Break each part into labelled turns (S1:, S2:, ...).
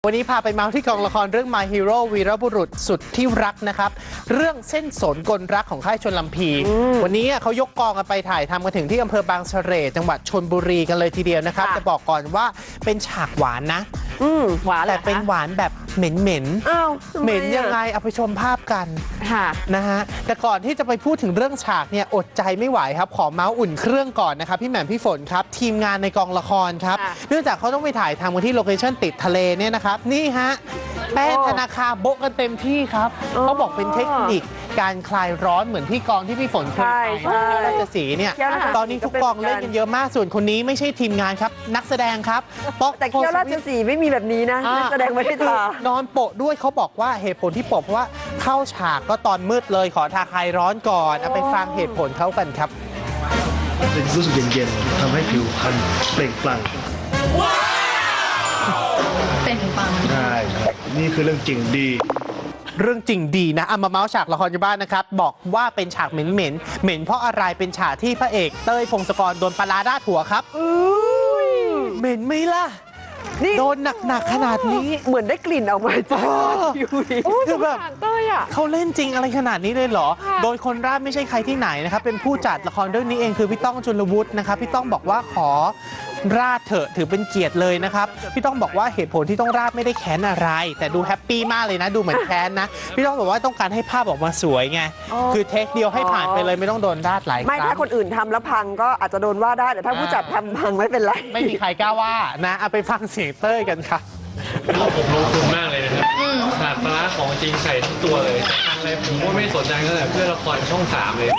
S1: วันนี้พาไปเมาส์ที่กองละครเรื่อง My Hero วีรบุรุษสุดที่รักนะครับเรื่องเส้นสนกลรักของค่ายชลลำพีวันนี้เขายกกองกันไปถ่ายทำกันถึงที่อำเภอบางเสร่จังหวัดชลบุรีกันเลยทีเดียวนะครับจะบอกก่อนว่าเป็นฉากหวานนะ
S2: หวานแต่
S1: เป็นหวานแบบเหม็นเหม็นยังไงเอาไปชมภาพกันนะฮะแต่ก่อนที่จะไปพูดถึงเรื่องฉากเนี่ยอดใจไม่ไหวครับขอเมาส์อุ่นเครื่องก่อนนะครับพี่แหม่มพี่ฝนครับทีมงานในกองละครครับเนื่องจากเขาต้องไปถ่ายทำกันที่โลเคชั่นติดทะเลเนี่ยนะครับนี่ฮะแป้งธนาคารโบ๊ะกันเต็มที่ครับเขาบอกเป็นเทคนิคการคลายร้อนเหมือนที่กองที่พี่ฝนเคยไปราชสีห์เนี่ยตอนนี้ทุกกองเล่นกันเยอะมากส่วนคนนี้ไม่ใช่ทีมงานครับนักแสดงครับ
S2: แต่เที่ยวราชสีห์ไม่มีแบบนี้นะนักแสดงไม่ได้ทาน
S1: อนโปะด้วยเขาบอกว่าเหตุผลที่โปะเพราะว่าเข้าฉากก็ตอนมืดเลยขอทาคลายร้อนก่อนเอาไปฟังเหตุผลเขากันครับ
S3: รู้สึกเย็นๆทำให้ผิวพรรณเปล่งปลั่ง
S4: เป็นปัง
S3: ใช่ครับนี่คือเรื่องจริงดี
S1: เรื่องจริงดีนะมาเมาส์ฉากละครอยู่บ้านนะครับบอกว่าเป็นฉากเหม็นเพราะอะไรเป็นฉากที่พระเอกเต้ยพงศกรโดนปลาร้าราดหัวครับเหม็นไหมล่ะโดนหนักขนาดนี้
S2: เหมือนได้กลิ่นออกมาจาก
S1: คือแบบเขาเล่นจริงอะไรขนาดนี้เลยเหรอโดยคนราดไม่ใช่ใครที่ไหนนะครับเป็นผู้จัดละครเรื่องนี้เองคือพี่ต้องจุลวุฒินะครับพี่ต้องบอกว่าขอราดเถอะถือเป็นเกียรติเลยนะครับพี่ต้องบอกว่าเหตุผลที่ต้องราดไม่ได้แค้นอะไรแต่ดูแฮปปี้มากเลยนะดูเหมือนแค้นนะพี่ต้องบอกว่าต้องการให้ภาพออกมาสวยไงคือเทคเดียวให้ผ่านไปเลยไม่ต้องโดนราดหลายครั้ง
S2: ไม่ถ้าคนอื่นทำแล้วพังก็อาจจะโดนว่าได้แต่ถ้าผู้จัดทำพังไม่เป็นไร
S1: ไม่มีใครกล้าว่านะเอาไปฟังเสียงเต้ยกันครับ
S5: ผมลงทุนมากเลยนะครับฉากปลาของจริงใส่ทุกตัวเลยอะไรผมก็ไม่สนใจตั้งแต่เพื่อละครช่อง3เลย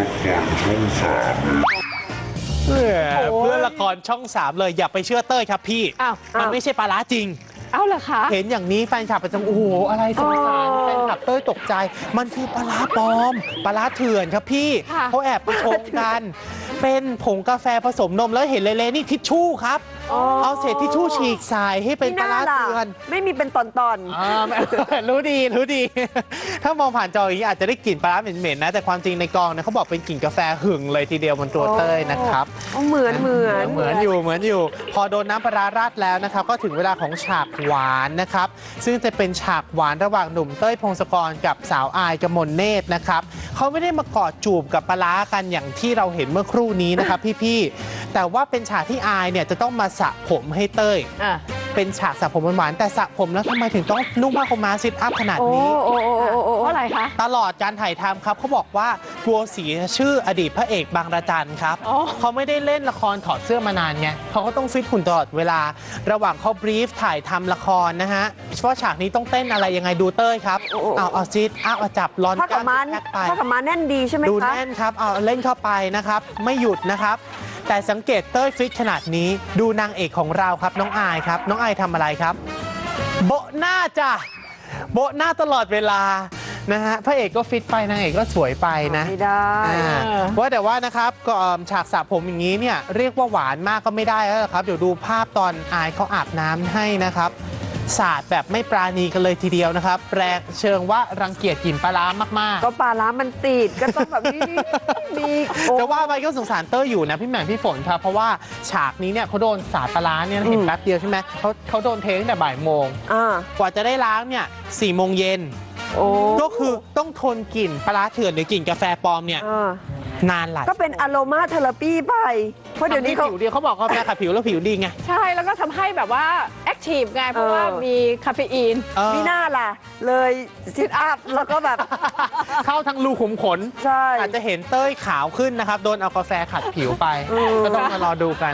S1: เพื่อละครช่อง3เลยอย่าไปเชื่อเต้ยครับพี่มันไม่ใช่ปลาร้าจริง
S2: เหรอคะ
S1: เห็นอย่างนี้แฟนคลับประจำโอ้โหอะไรสงสารแฟนคลับเต้ยตกใจมันคือปลาร้าปลอมปลาร้าเถื่อนครับพี่เขาแอบไปชมกันเป็นผงกาแฟผสมนมแล้วเห็นเละๆนี่ทิชชู่ครับเอาเศษทิชชู่ฉีกใส่ให้เป็นปลาร้าเถื่อน
S2: ไม่มีเป็นตอน
S1: รู้ดีถ้ามองผ่านจออย่างนี้อาจจะได้กลิ่นปลาร้าเหม็นๆนะแต่ความจริงในกองนะเขาบอกเป็นกลิ่นกาแฟหึงเลยทีเดียวบนตัวเต้ยนะครับ
S2: เหมือน
S1: อยู่พอโดนน้ำปลาร้าราดแล้วนะครับก็ถึงเวลาของฉากหวานนะครับซึ่งจะเป็นฉากหวานระหว่างหนุ่มเต้ยพงศกรกับสาวอายกมลเนตรนะครับเขาไม่ได้มากอดจูบกับปลาร้ากันอย่างที่เราเห็นเมื่อครู่นี้นะครับพี่ๆแต่ว่าเป็นฉากที่อายเนี่ยจะต้องมาสระผมให้เต้ยเป็นฉากสระผมหวานๆแต่สระผมแล้วทำไมถึงต้องนุ่งผ้าขนหนูซิทอัพขนาดนี้
S2: เพราะอะไรคะ
S1: ตลอดการถ่ายทำครับเขาบอกว่ากลัวเสียชื่ออดีตพระเอกบางระจันครับเขาไม่ได้เล่นละครถอดเสื้อมานานไงเขาก็ต้องฟิตหุ่นตลอดเวลาระหว่างเขาบรีฟถ่ายทำละครนะฮะเพราะฉากนี้ต้องเต้นอะไรยังไงดูเต้ยครับเอาซิทเอาจับร้อน
S2: กล้ามแพ็คไปผ้าขนหนูแน่นดีใช่ไหมคะ
S1: ดูแน่นครับเอาเล่นเข้าไปนะครับไม่หยุดนะครับแต่สังเกตเต้ยฟิตขนาดนี้ดูนางเอกของเราครับน้องอายครับน้องอายทำอะไรครับโบะหน้าจ้ะโบะหน้าตลอดเวลานะฮะพระเอกก็ฟิตไปนางเอกก็สวยไปนะ
S2: ไม่ได้
S1: ว่าแต่ว่านะครับก็ฉากสระผมอย่างนี้เนี่ยเรียกว่าหวานมากก็ไม่ได้แล้วครับเดี๋ยวดูภาพตอนอายเขาอาบน้ำให้นะครับสาดแบบไม่ปราณีกันเลยทีเดียวนะครับแปลกเชิงว่ารังเกียจกลิ่นปลาร้ามาก
S2: ๆก็ปลาร้ามันติดก็ต้องแบบนี้มี
S1: จะว่าไปก็สงสารเต้ยอยู่นะพี่แหม่มพี่ฝนครับเพราะว่าฉากนี้เนี่ยเขาโดนสาดปลาร้าเนี่ยเห็นแป๊บเดียวใช่ไหมเขาโดนเทตั้งแต่บ่ายโมงกว่าจะได้ล้างเนี่ย4 โมงเย็นก็คือต้องทนกลิ่นปลาร้าเถื่อนหรือกลิ่นกาแฟปลอมเนี่ยนานหลาย
S2: ก็เป็นอโรมาเทอราปีไปเพราะเดี๋ยวนี้
S1: ผิวดีเขาบอกกาแฟขัดผิวแล้วผิวดีไง
S4: ใช่แล้วก็ทำให้แบบว่าแอคทีฟไงเพราะว่ามีคาเฟอีน
S2: มีหน้าล่ะเลยซิทอัพแล้วก็แบบ
S1: เข้าทั้งรูขุมขน
S2: ใช่
S1: อาจจะเห็นเต้ยขาวขึ้นนะครับโดนเอากาแฟขัดผิวไปก็ต้องมารอดูกัน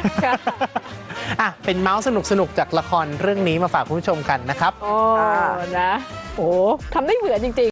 S1: เป็นเมาส์สนุกจากละครเรื่องนี้มาฝากคุณผู้ชมกันนะครับ
S4: นะโอ้ทำได้เหมือนจริงๆ